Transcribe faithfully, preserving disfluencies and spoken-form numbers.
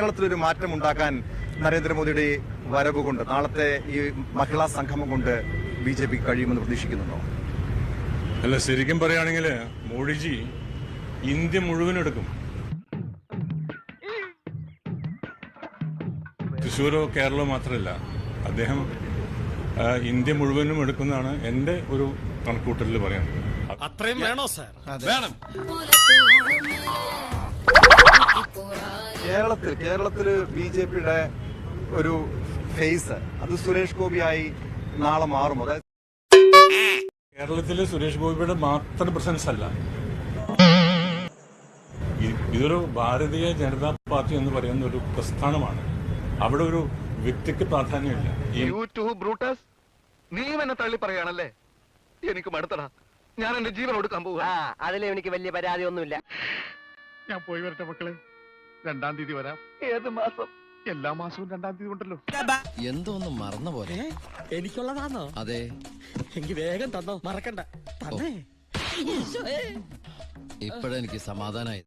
കേരളത്തിലൊരു മാറ്റം ഉണ്ടാക്കാൻ നരേന്ദ്രമോദിയുടെ വരവ് കൊണ്ട്, നാളത്തെ ഈ മഹിളാ സംഗമം കൊണ്ട് ബി ജെ പി കഴിയുമെന്ന് പ്രതീക്ഷിക്കുന്നുണ്ടോ? അല്ല, ശരിക്കും പറയുകയാണെങ്കിൽ മോഡിജി ഇന്ത്യ മുഴുവൻ എടുക്കും. തൃശ്ശൂരോ കേരളമോ മാത്രമല്ല, അദ്ദേഹം ഇന്ത്യ മുഴുവനും എടുക്കുന്നതാണ് എന്റെ ഒരു കണക്കൂട്ടലിൽ പറയുന്നത്. അത്രയും വേണോ സാർ? വേണം. കേരളത്തിൽ കേരളത്തില് ബി ജെ പിയുടെ ഒരു ഫേസ് അത് സുരേഷ് ഗോപിയായി നാളെ മാറും. അതായത് കേരളത്തിലെ സുരേഷ് ഗോപിയുടെ മാത്രം പ്രസൻസ് അല്ല, ഇതൊരു ഭാരതീയ ജനതാ പാർട്ടി എന്ന് പറയുന്ന ഒരു പ്രസ്ഥാനമാണ്. അവിടെ ഒരു വ്യക്തിക്ക് പ്രാധാന്യമില്ല. നീ എന്നെ തള്ളി പറയാണല്ലേ? എനിക്ക് മടുത്തടാ. ഞാൻ എന്റെ ജീവൻ കൊടുക്കാൻ പോവാ. അതിലും എനിക്ക് വലിയ പരാതി ഒന്നുമില്ല. ഞാൻ പോയി വരട്ടെ മക്കളെ. രണ്ടാം തീയതി വരാം. ഏത് മാസം? എല്ലാ മാസവും രണ്ടാം തീയതി ഉണ്ടല്ലോ. എന്തോ ഒന്നും മറന്ന പോലെ. എനിക്കുള്ളതാണോ? അതെ. എനിക്ക് വേഗം തന്നോ, മറക്കണ്ട. ഇപ്പഴെനിക്ക് സമാധാനായി.